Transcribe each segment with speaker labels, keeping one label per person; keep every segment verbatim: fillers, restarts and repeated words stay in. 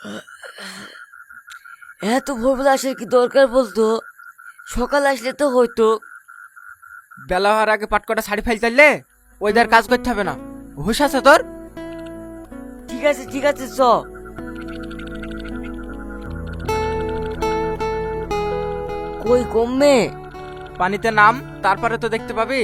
Speaker 1: এত ভোরবেলা আসার কি দরকার বলতো? সকাল আসলে তো হয়তো।
Speaker 2: বেলা হওয়ার আগে পাটকটা শাড়ি ফাইল চাইলে ওইদার কাজ করতে হবে না। হুশ আছে তোর?
Speaker 1: ঠিক আছে ঠিক আছে চ। কই কমবে?
Speaker 2: পানিতে নাম, তারপরে তো দেখতে পাবি।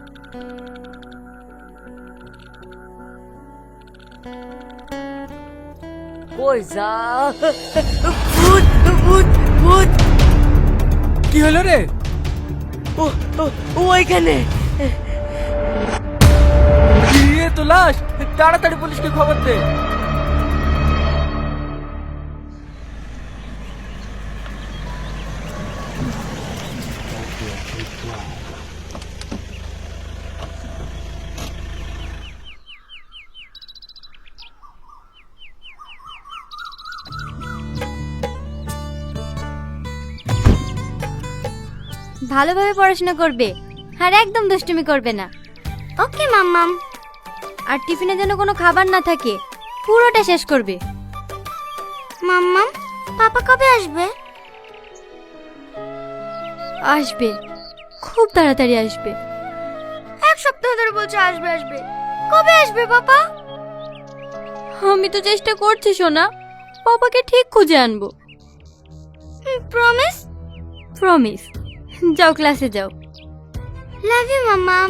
Speaker 1: কই যা। ভূত ভূত ভূত।
Speaker 2: কি হলো রে?
Speaker 1: ও ও, ওইখানে।
Speaker 2: দিয়ে তো লাশ, তাড়াতাড়ি পুলিশকে খবর দে।
Speaker 3: ভালোভাবে পড়াশোনা করবে আর একদম দুষ্টুমি করবে না। ওকে মাম্মাম। আর টিফিনে যেন কোনো খাবার না থাকে, পুরোটা শেষ করবে। মাম্মাম, পাপা কবে আসবে? আসবে, খুব তাড়াতাড়ি আসবে। এক সপ্তাহ ধরে বলছে আসবে আসবে। কবে আসবে পাপা? আমি তো চেষ্টা করছি সোনা, পাপাকে ঠিক খুঁজে আনবো। প্রমিস? প্রমিস। যাও ক্লাসে যাও। লাভ ইউ মাম্মাম।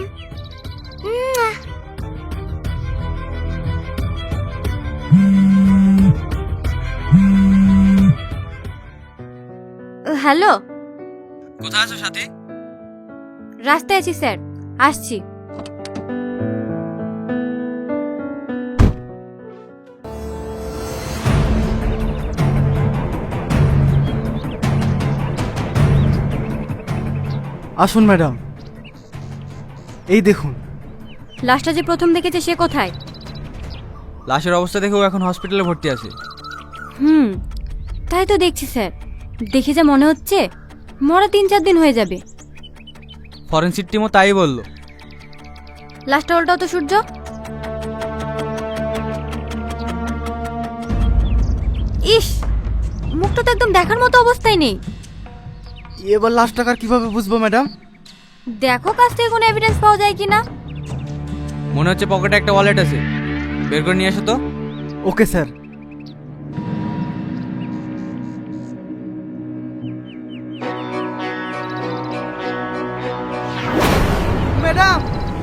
Speaker 3: হ্যালো,
Speaker 2: কোথায় আছো সাথী?
Speaker 3: রাস্তায় আছি স্যার, আসছি।
Speaker 4: আসুন ম্যাডাম, এই দেখুন।
Speaker 3: লাশটা যে প্রথম দেখেছে সে কোথায়?
Speaker 2: লাশের অবস্থা দেখেও এখন হসপিটালে ভর্তি আছে।
Speaker 3: হুম, তাই তো দেখছি স্যার। দেখে যা মনে হচ্ছে মরা তিন চার দিন হয়ে যাবে।
Speaker 2: ফরেনসিক টিমও তাই বললো।
Speaker 3: লাশটা উল্টাও তো সূর্য। ইস, মুখটা তো একদম দেখার মতো অবস্থায় নেই।
Speaker 4: এবার লাশ টাকার কিভাবে বুঝবো ম্যাডাম?
Speaker 3: দেখো কাছ থেকে কোনো এভিডেন্স পাওয়া যায় কিনা।
Speaker 2: মনে হচ্ছে পকেটে একটা ওয়ালেট আছে, বের করে নিয়ে আসো তো।
Speaker 4: Okay sir. Madam,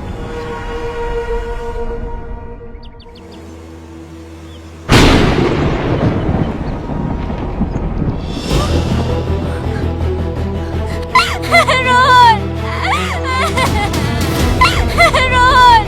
Speaker 3: Rohan! Rohan!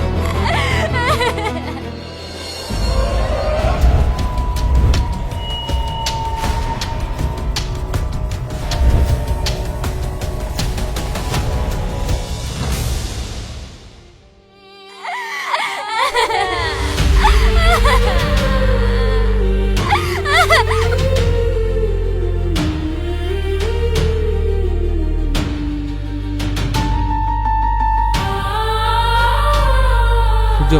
Speaker 2: Surya,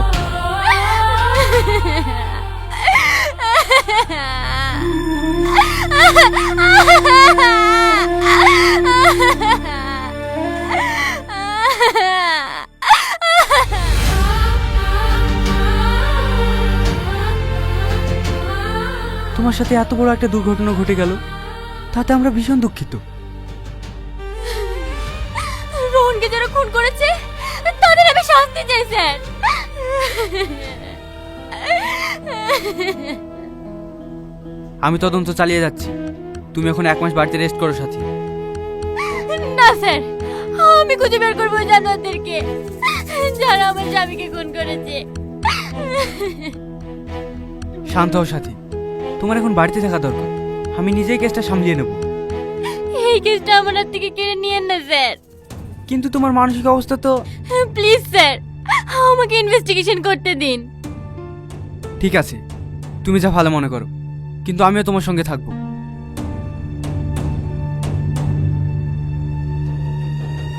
Speaker 2: তোমার সাথে এত বড় একটা দুর্ঘটনা ঘটে গেল, তাতে আমরা ভীষণ দুঃখিত।
Speaker 3: রোহনকে যারা খুন করেছে তাদের আমি শাস্তি চাই স্যার।
Speaker 2: আমি তদন্ত চালিয়ে যাচ্ছি, তুমি এখন এক মাস বাড়িতে রেস্ট করো সাথী।
Speaker 3: না স্যার, আমি খুঁজে বের করবো জানোয়ারদেরকে যারা আমার স্বামীকে খুন করেছে।
Speaker 2: শান্ত হও সাথী, তোমার এখন বাড়িতে থাকা দরকার। আমি নিজেই কেসটা সামলিয়ে নেব।
Speaker 3: এই কেসটা আমার হাত থেকে কেড়ে নিয়েন না স্যার।
Speaker 2: কিন্তু তোমার মানসিক অবস্থা তো।
Speaker 3: প্লিজ স্যার, আমাকে ইনভেস্টিগেশন করতে দিন।
Speaker 2: ঠিক আছে, তুমি যা ভালো মনে করো, কিন্তু আমিও তোমার সঙ্গে থাকবো।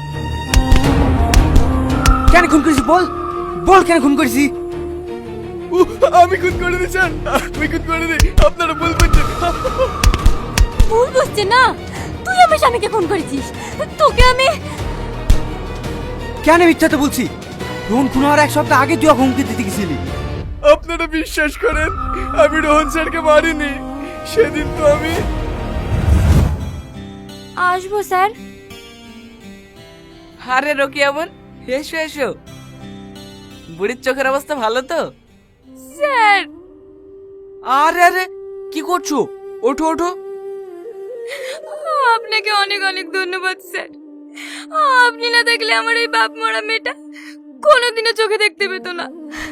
Speaker 2: কেন খুন করেছি বল, বল কেন খুন করেছি? আমি খুন করে দিয়েছেন, আমি খুন করে দিই, আপনারা ভুল করছেন।
Speaker 3: ভুল বুঝছে না, তুই আমার স্বামীকে ফোন করেছিস, তোকে আমি
Speaker 2: কেন মিথ্যাতে বলছি? রোহন খুন হওয়ার এক সপ্তাহ আগে তুই হুমকি দিতে গেছিলি। আপনারা বিশ্বাস করেন আমি রোহন স্যারকে মারিনি, সেদিন তো আমি
Speaker 3: আসবো স্যার।
Speaker 5: আরে রকিয়া বোন, এসো এসো। বুড়ির চোখের অবস্থা ভালো তো?
Speaker 3: স্যার
Speaker 2: আরে আরে কি করছো? ওঠো ওঠো।
Speaker 3: আপনাকে অনেক অনেক ধন্যবাদ স্যার, আপনি না দেখলে আমার এই বাপ মরা মেয়েটা কোনোদিনও চোখে দেখতে পেত না।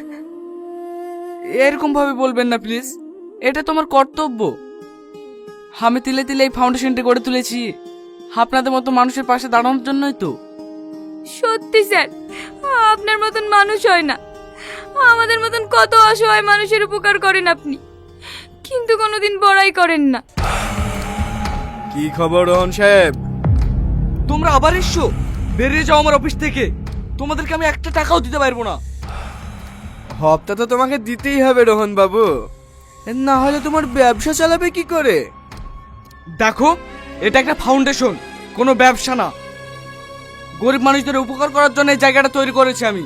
Speaker 5: এরকম ভাবে বলবেন না প্লিজ, এটা তোমার কর্তব্য। আমি তিলে তিলে এই ফাউন্ডেশনটি গড়ে তুলেছি আপনাদের মতো মানুষের পাশে দাঁড়ানোর জন্যই তো।
Speaker 3: সত্যি স্যার, আপনার মতন মানুষ হয় না, আমাদের মতন কত অসহায় মানুষের উপকার করেন আপনি, কিন্তু কোনোদিন বড়াই করেন না।
Speaker 2: কি খবর রোহন সাহেব? তোমরা আবার এসছো? বেরিয়ে যাও আমার অফিস থেকে, তোমাদেরকে আমি একটা টাকাও দিতে পারবো না। হপ্তা তো তোমাকে দিতেই হবে রোহন বাবু, না হলে তোমার ব্যবসা চালাবে কি করে? দেখো, এটা একটা ফাউন্ডেশন, কোনো ব্যবসা না। গরিব মানুষদের উপকার করার জন্য এই জায়গাটা তৈরি করেছি আমি।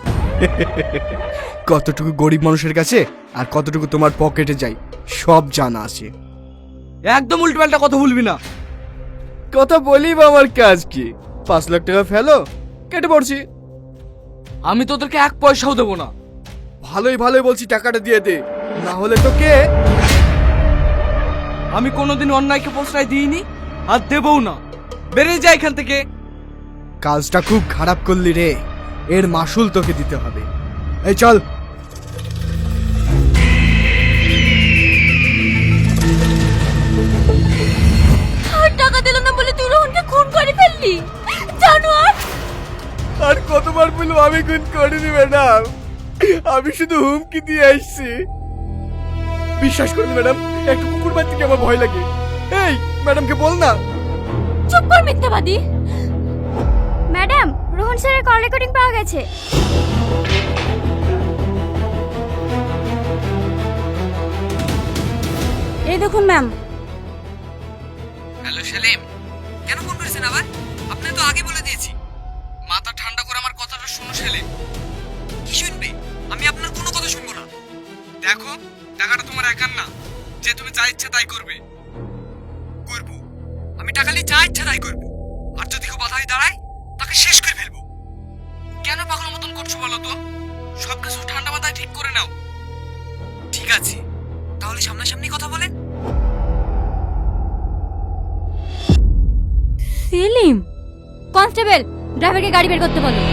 Speaker 2: কতটুকু গরিব মানুষের কাছে আর কতটুকু তোমার পকেটে যায় সব জানা আছে। একদম উল্টোপাল্টা কথা বলবি না। কথা বলি বা আমার কাজ কি? পাঁচ লাখ টাকা ফেলো, কেটে পড়ছি। আমি তোদেরকে এক পয়সাও দেবো না। ভালোই ভালোই বলছি, টাকাটা দিয়ে দে, না হলে তো কে। আমি কোনোদিন অন্যায়কে প্রশ্রয় দিইনি আর দেবও না। বেরিয়ে যা এখান থেকে। কাজটা খুব খারাপ করলি রে, এর মাসুল তোকে দিতে হবে। এই চল।
Speaker 3: আর টাকা দিল না বলে তুই রোহনকে খুন করে ফেললি, জানোয়ার।
Speaker 2: আর কতবার বলবো আমি খুন করিনি ম্যাডাম, আমি শুধু হুমকি দিয়ে আসছি। বিশ্বাস করুন ম্যাডাম, একটু কুকুর বাদ থেকে আমার ভয় লাগে। এই ম্যাডামকে বল না।
Speaker 3: চুপ কর মিথ্যাবাদী। ম্যাডাম, রোহন স্যারের কল রেকর্ডিং পাওয়া গেছে। এই দেখুন ম্যাম।
Speaker 5: হ্যালো সেলিম, কেন ফোন করেছেন আবার? আপনি তো আগে বলে দিয়েছি। মাথা ঠান্ডা করে আমার কথাটা শুনো সেলিম। কি শুনবে? আমি আপনার কোনো কথা শুনবো না। দেখো, টাকাটা তোমার একার না যে তুমি যা ইচ্ছা তাই করবে। করব, আমি টাকা নিয়ে যা ইচ্ছা তাই করব, আর যদি কেউ বাধাই দাঁড়ায় তাকে শেষ করে ফেলবো। কেন পাগলের মতন করছো বলো তো? সবকিছু ঠান্ডা মাথায় ঠিক করে নাও। ঠিক আছে, তাহলে সামনাসামনি কথা বলেন।
Speaker 3: সেলিম, কনস্টেবল ড্রাইভারকে গাড়ি বের করতে বলো।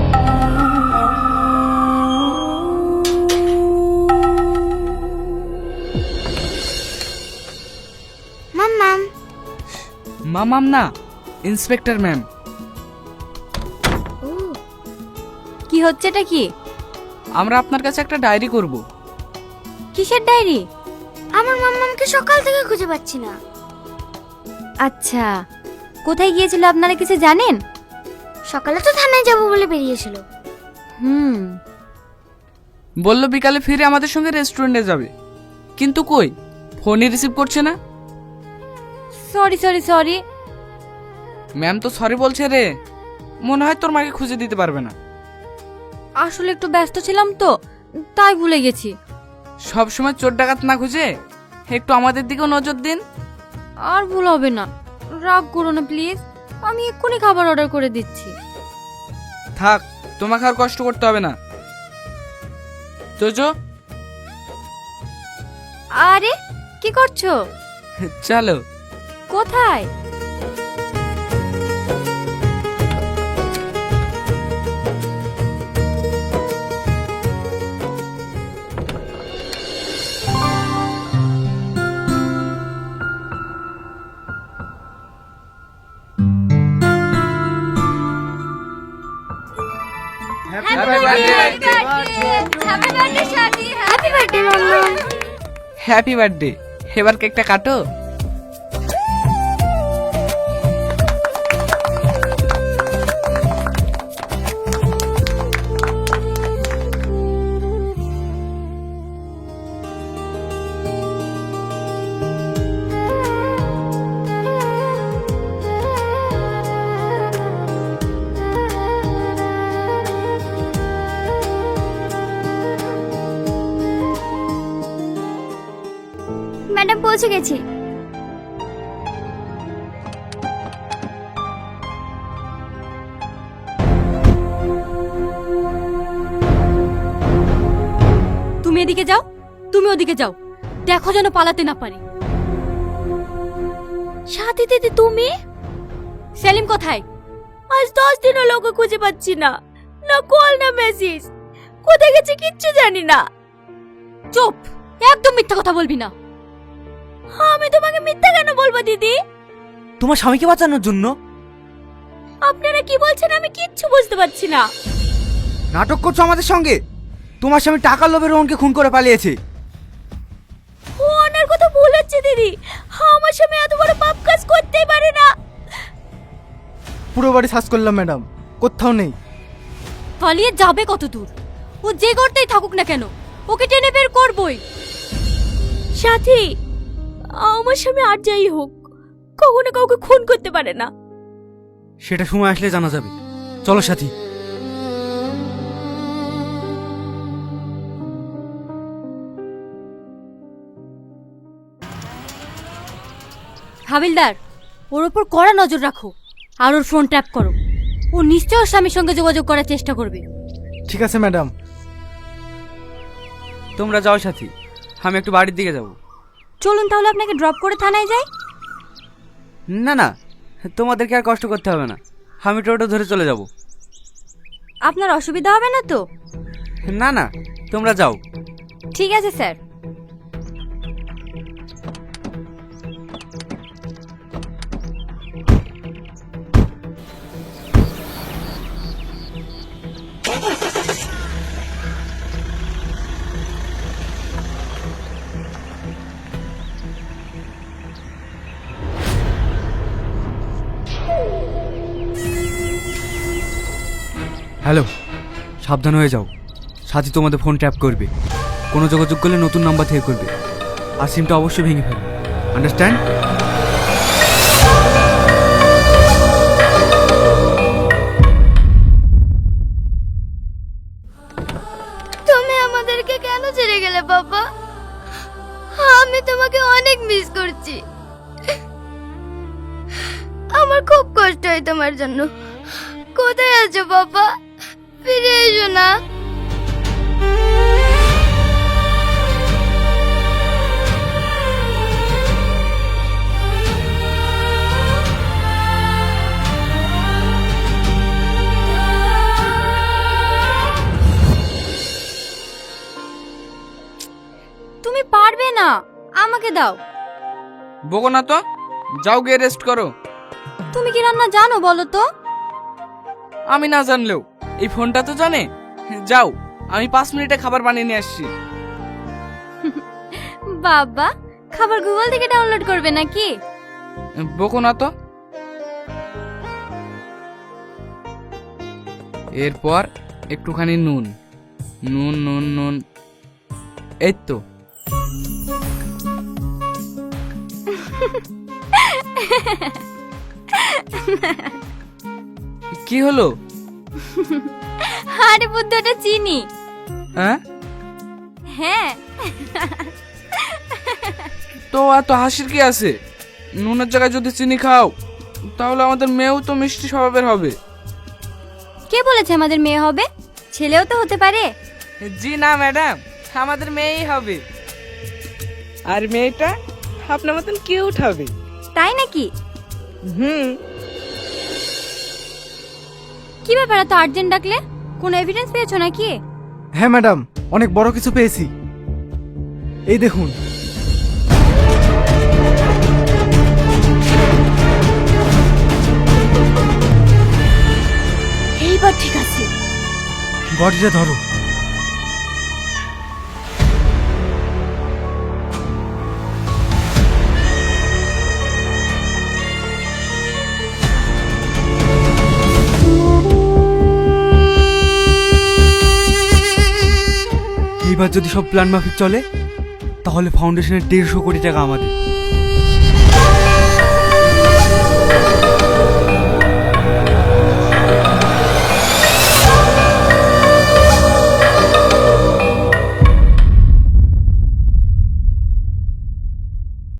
Speaker 3: মাম্মাম।
Speaker 5: মামাম না, ইন্সপেক্টর ম্যাম।
Speaker 3: কি হচ্ছে এটা? কি?
Speaker 5: আমরা আপনার কাছে একটা ডায়েরি করব।
Speaker 3: কিসের ডায়েরি? আমার মাম্মামকে সকাল থেকে খুঁজে পাচ্ছি না। আচ্ছা, কোথায় গিয়েছিল আপনারা কিছু জানেন? সকালে তো থানায় যাব বলে বেরিয়েছিল। হুম,
Speaker 5: বলল বিকালে ফিরে আমাদের সঙ্গে রেস্টুরেন্টে যাবে, কিন্তু কই ফোনই রিসিভ করছে না।
Speaker 3: Sorry sorry sorry.
Speaker 5: ম্যাম তো সরি বলছে রে, মনে হয় তোর মাকে খুঁজে দিতে পারবে না।
Speaker 3: আসলে একটু ব্যস্ত ছিলাম তো, তাই ভুলে গেছি।
Speaker 5: সব সময় চোর ডাকাত না খুঁজে একটু আমাদের দিকেও নজর দিন।
Speaker 3: আর ভুল হবে না, রাগ করো না প্লিজ, আমি এক্ষুনি খাবার অর্ডার করে দিচ্ছি।
Speaker 5: থাক, তোমাকে আর কষ্ট করতে হবে না। চোচো,
Speaker 3: আরে কি করছো?
Speaker 5: চলো।
Speaker 3: কোথায়?
Speaker 5: Happy birthday. এবার কেকটা কাটো।
Speaker 3: ম্যাডাম পৌঁছে গেছি।
Speaker 6: তুমি এদিকে যাও, তুমি ওদিকে যাও, দেখো যেন পালাতে না পারি।
Speaker 3: সাথী দিদি তুমি?
Speaker 6: সেলিম কোথায়?
Speaker 3: আজ দশ দিন হলো ওকে খুঁজে পাচ্ছি না, না কল না মেসেজ, কোথায় গেছে কিচ্ছু জানি না।
Speaker 6: চুপ, একদম মিথ্যা কথা বলবি না।
Speaker 3: আমি তোমাকে মিথ্যা কেন বলবো দিদি?
Speaker 4: তোমার স্বামীকে বাঁচানোর জন্য?
Speaker 3: আপনারা কি বলছেন আমি কিচ্ছু বুঝতে পারছি না।
Speaker 4: নাটক করছো আমাদের সঙ্গে? তোমার স্বামী টাকার লোভে রোহনকে খুন করে পালিয়েছে।
Speaker 3: ও ওনার কথা ভুল হচ্ছে দিদি, আমার স্বামী এত বড় পাপ কাজ করতেই পারে না।
Speaker 4: পুরো বাড়ি সার্চ করলাম ম্যাডাম, কোথাও নেই।
Speaker 6: পালিয়ে যাবে কত দূর? ও যে করতেই থাকুক না কেন, ওকে টেনে বের করবই।
Speaker 3: সাথী, আমার স্বামী আর যাই হোক কখনো কাউকে খুন করতে পারে না।
Speaker 4: সেটা সময় আসলে জানা যাবে। চলো সাথী।
Speaker 6: হাবিলদার, ওর ওপর কড়া নজর রাখো আর ওর ফোন ট্যাপ করো। ও নিশ্চয় ওর স্বামীর সঙ্গে যোগাযোগ করার চেষ্টা করবে।
Speaker 4: ঠিক আছে ম্যাডাম।
Speaker 5: তোমরা যাও সাথী, আমি একটু বাড়ির দিকে যাব।
Speaker 6: চলুন তাহলে আপনাকে ড্রপ করে থানায় যাই।
Speaker 5: না না, তোমাদেরকে আর কষ্ট করতে হবে না, আমি টোটো ধরে চলে যাব।
Speaker 6: আপনার অসুবিধা হবে না তো?
Speaker 5: না না, তোমরা যাও।
Speaker 6: ঠিক আছে স্যার।
Speaker 5: হ্যালো, সাবধান হয়ে যাও। সাথী তোমাদের ফোন ট্যাপ করবে, কোনো যোগাযোগ করলে নতুন নাম্বার থেকে করবে, আর সিমটা অবশ্যই ভেঙে ফেলবে। আন্ডারস্ট্যান্ড?
Speaker 3: তুমি আমাদেরকে কেন ছেড়ে গেলে বাবা? আমি তোমাকে অনেক মিস করছি। আমার খুব কষ্ট হয় তোমার জন্য। কোথায় আছো বাবা? ফিরে এসো না।
Speaker 6: তুমি পারবে না, আমাকে দাও।
Speaker 2: বকো না তো, যাও গিয়ে রেস্ট করো।
Speaker 6: তুমি কি রান্না জানো বলো তো?
Speaker 2: আমি না জানলেও এই ফোনটা তো জানে। যাও, আমি পাঁচ মিনিটে খাবার বানিয়ে নিয়ে আসছি।
Speaker 6: বাবা, খাবার গুগল থেকে ডাউনলোড করবে নাকি?
Speaker 2: বকো না তো। এরপর একটুখানি নুন, নুন নুন নুন, এই তো। কি হলো?
Speaker 6: আরে বুদ্ধ, ওটা চিনি।
Speaker 2: হ্যাঁ
Speaker 6: হ্যাঁ,
Speaker 2: তো এত হাসির কি আছে? নুনের জায়গায় যদি চিনি খাও তাহলে আমাদের মেয়েও তো মিষ্টি স্বভাবের হবে।
Speaker 6: কে বলেছে আমাদের মেয়ে হবে? ছেলেও তো হতে পারে।
Speaker 2: জি না ম্যাডাম, আমাদের মেয়েই হবে। আর মেয়েটা আপনার মতন কিউট হবে।
Speaker 6: তাই নাকি?
Speaker 2: হুম।
Speaker 6: কি ব্যাপার এত আর্জেন্ট ডাকলে? কোনো এভিডেন্স পেয়েছো নাকি?
Speaker 4: হ্যাঁ ম্যাডাম, অনেক বড় কিছু পেয়েছি। এই দেখুন।
Speaker 6: এইবার ঠিক আছে।
Speaker 4: বডিটা ধরো।
Speaker 5: এইবার যদি সব প্ল্যান মাফিক চলে তাহলে ফাউন্ডেশনের দেড়শো কোটি টাকা আমাদের।